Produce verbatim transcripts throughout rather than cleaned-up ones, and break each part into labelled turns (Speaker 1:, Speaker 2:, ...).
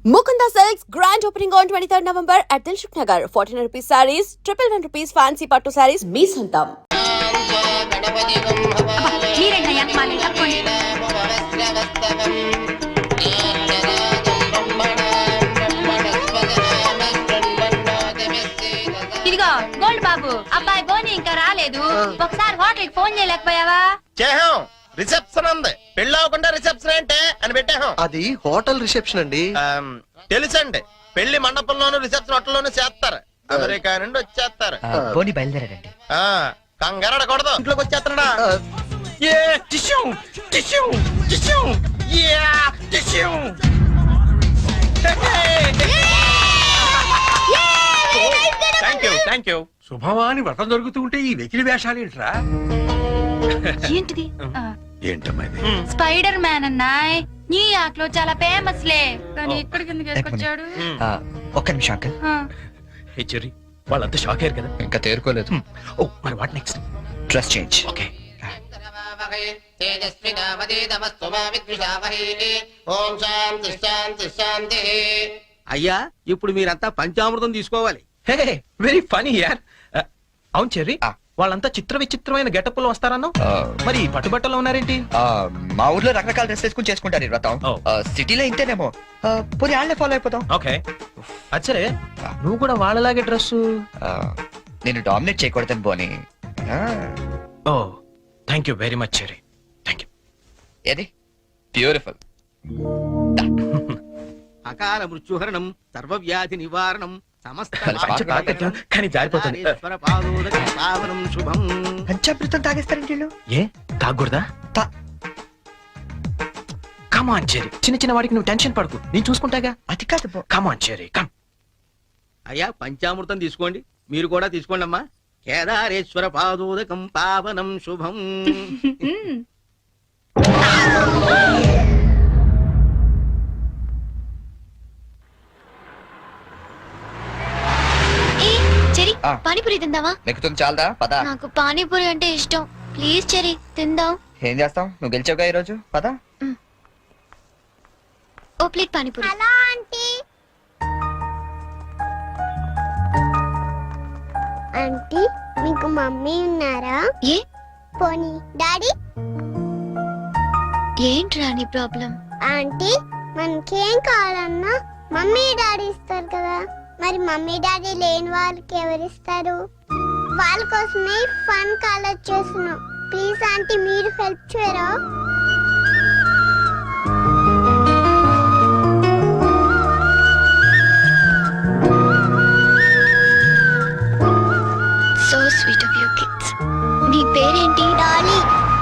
Speaker 1: Mukunda Silks grand opening on twenty-third November at Dilshuk Nagar. fourteen rupees sarees, triple one rupees fancy pattu sarees, me santam.
Speaker 2: ఇదిగో gold బాబు, అబ్బాయి బోని ఇంకా రాలేదు. ఒకసారి hotel కి ఫోన్ చేయలేకపోయావా?
Speaker 3: చేహాం, రిసెప్షన్ ఉంది. పెళ్లి అవ్వకుండా రిసెప్షన్ అంటే అని పెట్టాం.
Speaker 4: అది హోటల్ రిసెప్షన్ అండి.
Speaker 3: తెలుసండి, పెళ్లి మండపంలోను రిసెప్షన్ హోటల్లోనూ చేస్తారు. అమెరికా నుండి వచ్చేస్తారు.
Speaker 5: పోనీ బయలుదేరాడండి.
Speaker 3: ఆ కంగారడకూడదు, ఇంట్లోకి వచ్చేస్తున్నాడా?
Speaker 6: శుభమాని వ్రతం జరుగుతూ ఉంటే ఈ వెకిలి వేషాలు ఏంట్రా?
Speaker 2: ఏంటిది?
Speaker 6: ఏంటమ్మా ఇది?
Speaker 2: Spider man అన్నాయ్. న్యూయార్క్ లో చాలా ఫేమస్ లే, కానీ ఇక్కడికి ఎందుకు వేసుకొచ్చాడు?
Speaker 5: ఆ, ఒక్క నిమిషం అంకల్.
Speaker 6: హే చెర్రీ, వాళ్ళంతా షాక్ అయ్యారు కదా?
Speaker 5: ఇంకా తేరుకోలేదు.
Speaker 6: ఓ మరి what next?
Speaker 5: Dress change.
Speaker 6: Okay.
Speaker 7: అయ్యా, ఇప్పుడు మీరంతా పంచామృతం తీసుకోవాలి.
Speaker 6: హే వెరీ ఫనీ యార్. అవును చెర్రీ, వాళ్ళంతా చిత్ర విచిత్రమైన గెటప్ లో వస్తారన్నా, మరి పట్టుబట్టలో ఉన్నారేంటి?
Speaker 5: మా ఊర్లో రకరకాల డ్రెస్ వేసుకుని చేసుకుంటారు ఈ వ్రతం. సిటీలో ఇంతేనేమో. పోనీ వాళ్ళే ఫాలో అయిపోతాం.
Speaker 6: ఓకే, అచ్చరే నువ్వు కూడా వాళ్ళలాగే డ్రెస్.
Speaker 5: నేను డామినేట్ చేయకూడదని పోనీ.
Speaker 6: Oh thank you very much Cherry, thank you.
Speaker 5: ఏది బ్యూటిఫుల్.
Speaker 7: అకాల మృత్యుహరణం, సర్వవ్యాధి నివారణం, సమస్త
Speaker 6: కానీ జారిపోతుంది.
Speaker 7: పావనం శుభం.
Speaker 5: పంచామృతం తాగేస్తారండి వీళ్ళు.
Speaker 6: ఏ తాగకూడదా? కమాన్ చెర్రీ, చిన్న చిన్న వాడికి నువ్వు టెన్షన్ పడకు, నేను చూసుకుంటాగా.
Speaker 5: అది కాదు.
Speaker 6: Come on Cherry, come.
Speaker 7: అయ్యా, పంచామృతం తీసుకోండి. మీరు కూడా తీసుకోండి అమ్మా. కేదారేశ్వర పాదోదకం పావనం శుభం.
Speaker 2: పానీపూరి తిందావా?
Speaker 5: నెక్కుతుంది చాలదా? పద.
Speaker 2: నాకు పానీపూరి అంటే ఇష్టం. ప్లీజ్ చెరి తిందాం.
Speaker 5: ఏం చేస్తాం, నువ్వు గెలిచావుగా ఈ రోజు. పద.
Speaker 2: ఓ plate panipuri. Hello aunty.
Speaker 8: Aunty, మీకు మమ్మీ ఉన్నారా?
Speaker 2: ఏ
Speaker 8: పోనీ డాడీ?
Speaker 2: ఏంట్రా నీ ప్రాబ్లం?
Speaker 8: ఆంటీ, మనకేం కావాలన్నా మమ్మీ డాడీ ఇస్తారు కదా, మరి మమ్మీ డాడీ లేని వాళ్ళకి ఎవరిస్తారు? వాళ్ళ కోసమే ఫన్ కాలేజ్ చేస్తున్నాం. ప్లీజ్ ఆంటీ, మీరు హెల్ప్ చేయరా?
Speaker 2: So sweet of you kids. నీ పేరేంటి?
Speaker 8: డాలీ.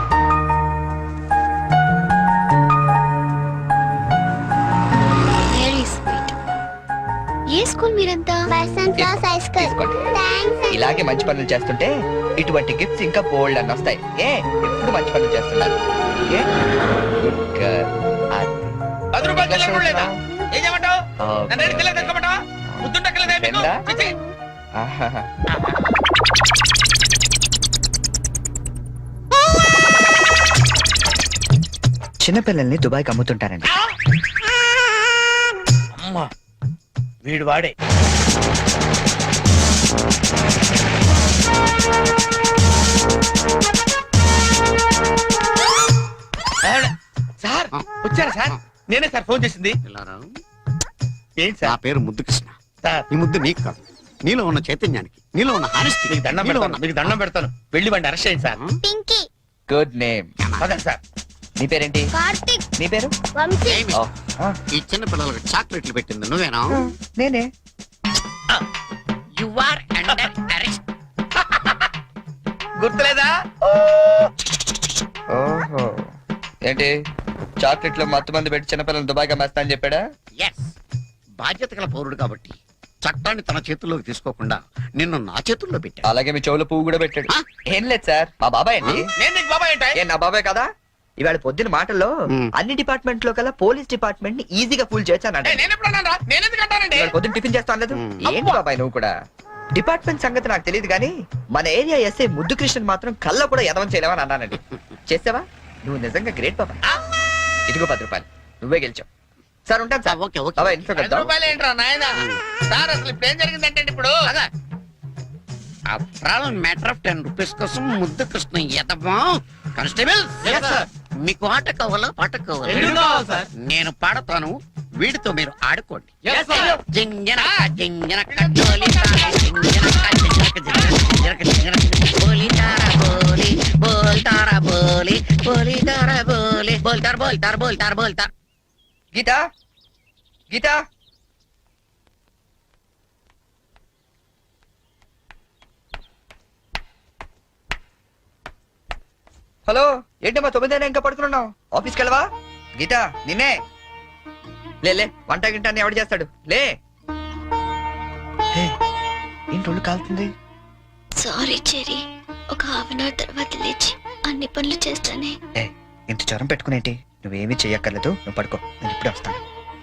Speaker 2: Very sweet. ఏ స్కూల్ మీరంతా?
Speaker 8: Basanth Rao high school.
Speaker 5: తీసుకోండి.
Speaker 8: థాంక్స్.
Speaker 5: ఇలాగే మంచి పనులు చేస్తుంటే ఇటువంటి గిఫ్ట్స్ ఇంకా బోల్డ్ అని వస్తాయి. ఏ ఎప్పుడు మంచి పనులు చేస్తున్నారు. A good girl.
Speaker 7: పది రూపాయలు చిల్లర కూడా లేదా? ఏం చేయమంటావు? నన్ను ఏడు చిల్లర తెచ్చుకోమంటావా? ముద్దుంటక్కలేదా మీకు? చిచ్చి.
Speaker 5: చిన్నపిల్లల్ని దుబాయ్కి అమ్ముతుంటారండి.
Speaker 7: అమ్మా, వీడు వాడే. సార్ వచ్చారా సార్? నేనే సార్ ఫోన్ చేసింది. ఏంటి
Speaker 9: నా
Speaker 7: సార్?
Speaker 9: పేరు ముద్దు కృష్ణ.
Speaker 7: సార్
Speaker 9: ఈ ముద్దు నీకు కాదు, నీలో ఉన్న చైతన్యానికి, నీలో ఉన్న హానెస్టీ.
Speaker 7: మీకు దండం పెడతాను, మీకు దండం పెడతాను. వెళ్ళి వాడిని అరెస్ట్ చేయండి సార్.
Speaker 8: పింకీ.
Speaker 5: Good name.
Speaker 7: పదండి సార్.
Speaker 5: నీ పేరేంటి?
Speaker 8: కార్తిక్.
Speaker 5: నీ పేరు?
Speaker 8: వంశీ.
Speaker 5: ఓ, ఆ,
Speaker 9: ఈ చిన్న పిల్లలకు చాక్లెట్లు పెట్టింది నువ్వేనా?
Speaker 5: నేనే.
Speaker 7: You are under arrest. గుర్తులేదా?
Speaker 5: ఓహో, ఏంటి చాక్లెట్లు మత్తు మంది పెట్టి చిన్నపిల్లలు దుబాయ్కి అమ్మేస్తా అని చెప్పాడా?
Speaker 9: ఎస్, బాధ్యత గల పౌరుడు కాబట్టి చట్టాన్ని తన చేతుల్లోకి తీసుకోకుండా నిన్ను నా చేతుల్లో పెట్టా.
Speaker 5: అలాగే మీ చెవులో పువ్వు కూడా పెట్టాడు. ఏం లేదు సార్, మా బాబాయ్ అండి.
Speaker 7: నేను నీకు బాబాయ్ ఏంటి?
Speaker 5: ఏ నా బాబాయ్ కదా? ఇవాళ పొద్దున మాటల్లో
Speaker 9: మ్.
Speaker 5: అన్ని డిపార్ట్మెంట్ లో కల్లా పోలీస్ డిపార్ట్మెంట్ ని ఈజీగా ఫుల్ చేశానండి.
Speaker 7: నేను ఎప్పుడు అన్నాను రా? నేను ఎందుకు అంటానండి?
Speaker 5: ఇవాళ పొద్దున టిఫిన్ చేస్తాను లేదు.
Speaker 9: మ్.
Speaker 5: ఏంటి బాబాయ్ నువ్వు కూడా? డిపార్ట్మెంట్ సంగతి నాకు తెలియదు కానీ మన ఏరియా ఎస్ఐ ముద్దు కృష్ణ మాత్రం కళ్ళ కూడా ఎదవం చేయలేమని అన్నానండి. చేసావా? నువ్వు నిజంగా గ్రేట్ బాబా. ఇదిగో పది రూపాయలు, నువ్వే గెలిచావు. సార్ ఉంటాను సార్
Speaker 9: ఓకే ఓకే
Speaker 5: బాబాయ్ ఇంట్లో
Speaker 7: పది
Speaker 5: కలుద్దాం.
Speaker 7: రూపాయలు ఏంట్రా నాయన సార్ అసలు ఇప్పుడు ఏం జరిగిందంటే ఇప్పుడు
Speaker 9: మ్యాటర్ ఆఫ్ టెన్ రూపీస్ కోసం ముద్దు కృష్ణ ఎదమా కానిస్టేబుల్ మీకు ఆట కావాలా పాట కావాలా నేను పాడతాను వీడితో మీరు ఆడుకోండి జింజనక జింజనక జోలితార, జింజనక జింజనక జింజనక జింజనక బోలితార బోలి బోల్తార బోలి బోలితార బోలి బోల్తార బోల్తార బోల్తార బోల్తార.
Speaker 5: గీత గీత హలో ఏంటమ్మా తొమ్మిదైనా ఇంకా పడుకున్నావు ఆఫీస్కి వెళ్ళవా గీత నిన్నే లే లే వంట గింట అని ఎవడు చేస్తాడు లే హే, ఏంటి ఒళ్ళు కాలుతుంది
Speaker 8: సారీ చెరి ఒక హాఫ్ అన్ అవర్ తర్వాత లేచి అన్ని పనులు చేస్తానే.
Speaker 5: ఏ ఇంత జ్వరం పెట్టుకునేంటి నువ్వేమీ చెయ్యక్కర్లేదు నువ్వు పడుకో నేను ఇప్పుడే వస్తాను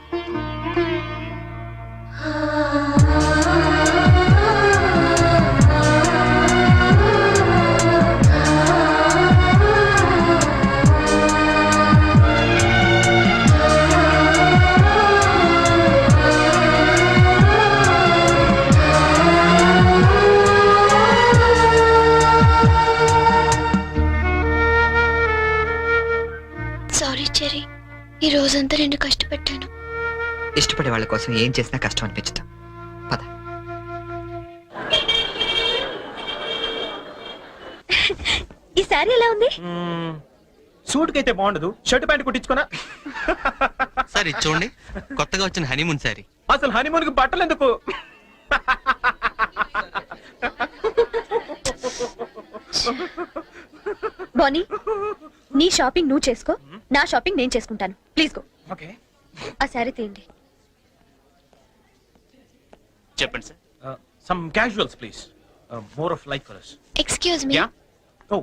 Speaker 8: సారీ చెరి ఈ రోజంతా నేను కష్టపెట్టాను.
Speaker 5: ఇష్టపడే వాళ్ళ కోసం ఏం చేసినా కష్టం అనిపించదు పద
Speaker 8: ఈ సారీ ఎలా ఉంది?
Speaker 6: సూట్ కి అయితే బాగుండదు షర్ట్ ప్యాంట్ కుట్టించుకున్నా.
Speaker 10: సార్ ఇది చూడండి కొత్తగా వచ్చిన హనీమూన్ సారీ.
Speaker 6: అసలు హనీమూన్ కి బట్టలు ఎందుకు?
Speaker 11: బానీ నీ షాపింగ్ నువ్వు చేసుకో, నా షాపింగ్ నేను చేసుకుంటాను. Please go.
Speaker 6: ఓకే
Speaker 11: ఆ శారీ తీయండి.
Speaker 10: చెప్పండి sir.
Speaker 6: Some casuals please, more of like colours.
Speaker 8: Excuse me,
Speaker 6: yeah oh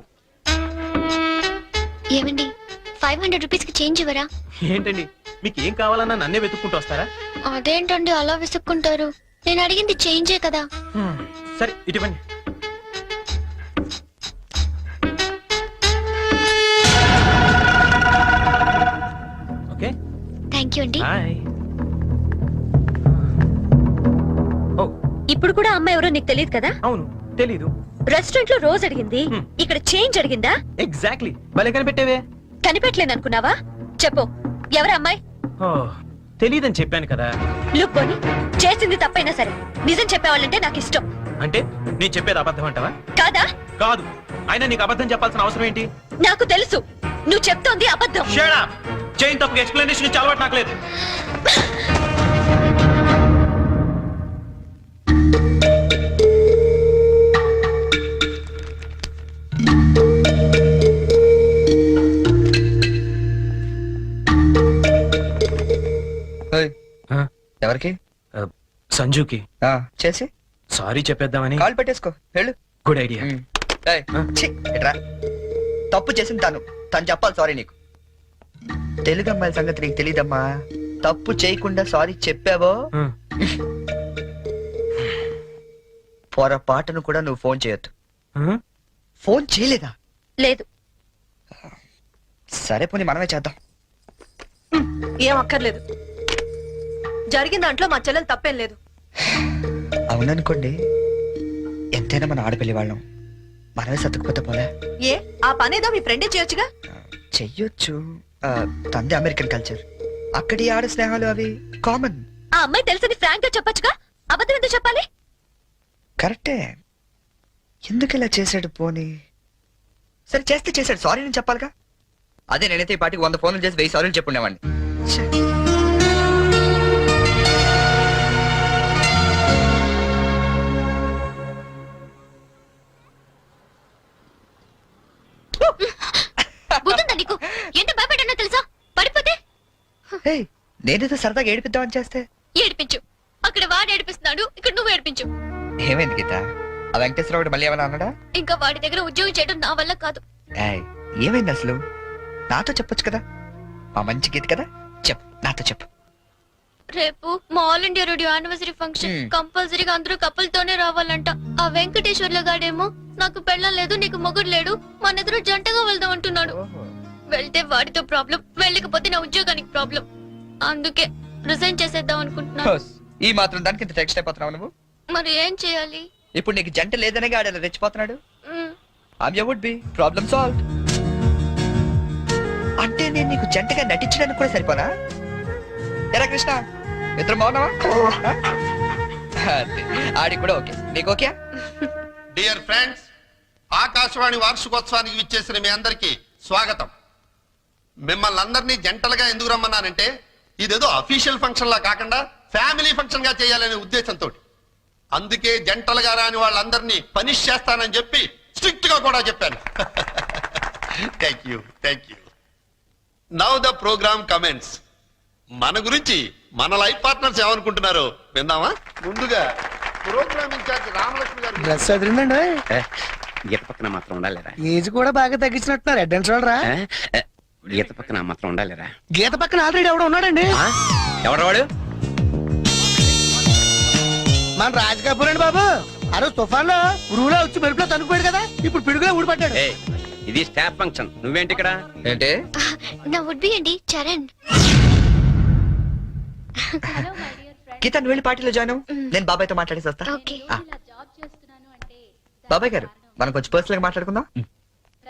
Speaker 8: ఏమండి ఫైవ్ హండ్రెడ్ రూపీస్ కి చేంజ్ ఇవ్వరా?
Speaker 6: ఏంటండి మీకు ఏం కావాలన్నా నన్నే వెతుక్కుంటూ వస్తారా?
Speaker 8: అదేంటండి అలా విసుక్కుంటారు? నేను అడిగింది చేంజే కదా.
Speaker 6: Hmm, సరే ఇటువంటి ఓకే
Speaker 8: థ్యాంక్ యూ అండి.
Speaker 6: బాయ్. ఓ
Speaker 11: ఇప్పుడు కూడా అమ్మాయి ఎవరో నీకు తెలియదు కదా?
Speaker 6: అవును తెలీదు.
Speaker 11: రెస్టారెంట్ లో రోజు అడిగింది,
Speaker 6: Hmm.
Speaker 11: ఇక్కడ చేంజ్ అడిగిందా?
Speaker 6: ఎగ్జాక్ట్లీ భలే కనిపెట్టేవే.
Speaker 11: కనిపెట్టలేను అనుకున్నావా? చెప్పు ఎవరు అమ్మాయి?
Speaker 6: ఓ తెలీదని చెప్పాను కదా.
Speaker 11: లుక్ బోని, చేసింది తప్పైనా సరే నిజం చెప్పేవాళ్ళంటే నాకు ఇష్టం.
Speaker 6: అంటే నేను చెప్పేది అబద్ధం అంటావా?
Speaker 11: కాదా?
Speaker 6: కాదు. అయినా నీకు అబద్ధం చెప్పాల్సిన అవసరం ఏంటి?
Speaker 11: నాకు తెలుసు నువ్వు చెప్తోంది అబద్ధం.
Speaker 6: Shut up. చైన్ తప్పకు ఎక్స్ప్లెనేషన్ ఇచ్చి అలవాటు నాకు లేదు.
Speaker 5: ఏయ్, ఎవరికి
Speaker 6: సంజుకి
Speaker 5: ఆ, చేసి
Speaker 6: సారీ చెప్పేద్దామని.
Speaker 5: కాల్ పెట్టేసుకో వెళ్ళు.
Speaker 6: Good idea.
Speaker 5: ఉమ్. ఏయ్, ఛీ, ఇట్రా. తప్పు చేసింది తను తను చెప్పాలి సారీ నీకు. తెలుగు అమ్మాయిల సంగతి నీకు తెలీదమ్మా. తప్పు చేయకుండా సారీ చెప్పావో పొరపాటును కూడా నువ్వు ఫోన్ చేయొద్దు. ఫోన్ చేయలేదా?
Speaker 11: లేదు.
Speaker 5: సరే పోనీ మనమే చేద్దాం.
Speaker 11: ఏం అక్కర్లేదు. జరిగిన దాంట్లో మా చెల్లెలు తప్పేం లేదు.
Speaker 5: అవుననుకోండి, ఎంతైనా మన ఆడపిల్లి వాళ్ళం, మనమే సర్దుకుపోతే పోలే.
Speaker 11: ఏ ఆ పనేదో మీ ఫ్రెండే చేయొచ్చుగా.
Speaker 5: చెయ్యొచ్చు. ఆ, తంది అమెరికన్ కల్చర్, అక్కడి ఆడ స్నేహాలు అవి కామన్.
Speaker 11: ఆ అమ్మాయి తెలిసింది ఫ్రాంక్ గా చెప్పొచ్చుగా. అబద్ధం ఎందుకు చెప్పాలి?
Speaker 5: కరెక్టే. ఎందుకు ఇలా చేశాడు పోనీ? సరే చేస్తే చేశాడు, సారీ నేను చెప్పాలిగా. అదే నేనైతే ఈ పాటికి వంద ఫోన్లు చేసి వెయ్యి సారీలు చెప్పుండేవాడిని. ఛే.
Speaker 8: బుద్ధుందా నీకు? ఎంత భయపడ్డానో తెలుసా? పడిపోతే
Speaker 5: హే, నేనేదో సరదాగా ఏడిపిద్దామని చేస్తే
Speaker 8: ఏడిపించు. అక్కడ వాడు ఏడిపిస్తున్నాడు, ఇక్కడ నువ్వు ఏడిపించు.
Speaker 5: ఏమైంది గీత? ఆ వెంకటేశ్వరరావు మళ్ళీ ఏమన్నా అన్నాడా?
Speaker 8: ఇంకా వాడి దగ్గర ఉద్యోగం చేయడం నా వల్ల కాదు.
Speaker 5: ఏయ్, ఏమైంది అసలు? నాతో చెప్పొచ్చు కదా. మా మంచి గీత కదా, చెప్పు, నాతో చెప్పు.
Speaker 8: రేపు మా All India Radio anniversary function.
Speaker 5: Hmm.
Speaker 8: కంపల్సరీగా అందరూ కపుల్ తోనే రావాలంట. ఆ వెంకటేశ్వర్ల గాడేమో నాకు పెళ్ళం లేదు, నీకు మొగుడు లేడు, మన ఇద్దరు జంటగా వెళ్దాం అంటున్నాడు. వెళ్తే వాడితో ప్రాబ్లం, వెళ్ళకపోతే నా ఉద్యోగానికి ప్రాబ్లం. అందుకే
Speaker 2: రిజైన్ చేసేద్దాం అనుకుంటున్నాను.
Speaker 5: ఈ మాత్రం దానికి ఇంత టెక్స్ట్ అయిపోతున్నావు నువ్వు.
Speaker 2: మరి ఏం చేయాలి?
Speaker 5: ఇప్పుడు నీకు జంట లేదనే ఆడేలా రెచ్చిపోతున్నాడు.
Speaker 2: Hmm,
Speaker 5: I'm you would be problem solve. అంటే నేను నీకు జంటగా నటించడానికి కూడా సరిపోనా? ఎరా కృష్ణ, ఇద్దరు బాగున్నావా? అదే, ఆడి కూడా ఓకే. నీకు ఓకే?
Speaker 3: డియర్ ఫ్రెండ్స్, ఆకాశవాణి వార్షికోత్సవానికి విచ్చేసిన మీ అందరికీ స్వాగతం. మిమ్మల్ని అందరినీ జంటలుగా ఎందుకు రమ్మన్నానంటే ఇదేదో అఫీషియల్ ఫంక్షన్ లా కాకుండా ఫ్యామిలీ ఫంక్షన్ గా చేయాలనే ఉద్దేశంతో. అందుకే జంటలుగా రాని వాళ్ళందరినీ పనిష్ చేస్తానని చెప్పి స్ట్రిక్ట్ గా కూడా చెప్పాను. Thank you thank you. Now the programme comments. మన గురించి మన లైఫ్ పార్ట్నర్స్ ఏమనుకుంటున్నారో విందామా? ముందుగా ప్రోగ్రామ్ ఇన్ఛార్జ్ రామలక్ష్మి గారు.
Speaker 7: డ్రెస్ అదిరిందండి.
Speaker 9: గీత పక్కన మాత్రం ఉండాలిరా.
Speaker 7: ఏజ్ కూడా బాగా తగ్గించినట్టున్నారు. అడ్వాన్స్ చూడరా.
Speaker 9: గీత పక్కన మాత్రం ఉండాలిరా.
Speaker 7: గీత పక్కన ఆల్రెడీ ఎవడో ఉన్నాడండి.
Speaker 5: ఎవరు వాడు?
Speaker 7: మన రాజ్ కపూర్ అండి బాబు. ఆ రోజు తుఫాన్ లో ఉరువులో వచ్చి మెరుపులో తనుకుపోయాడు కదా, ఇప్పుడు పిడుగులో ఊడిపడ్డాడు.
Speaker 9: ఇది స్టాఫ్ ఫంక్షన్, నువ్వేంటి ఇక్కడ?
Speaker 5: ఏంటి?
Speaker 2: నా వుడ్ బి అండి చరణ్.
Speaker 5: గీత నువ్వు వెళ్ళి పార్టీలో జాయిన్ అవ్వు. నేను బాబాయ్తో మాట్లాడేసి వస్తా.
Speaker 2: ఓకే.
Speaker 5: ఆ. బాబాయ్ గారు, మనం కొంచెం పర్సనల్ గా మాట్లాడుకుందాం.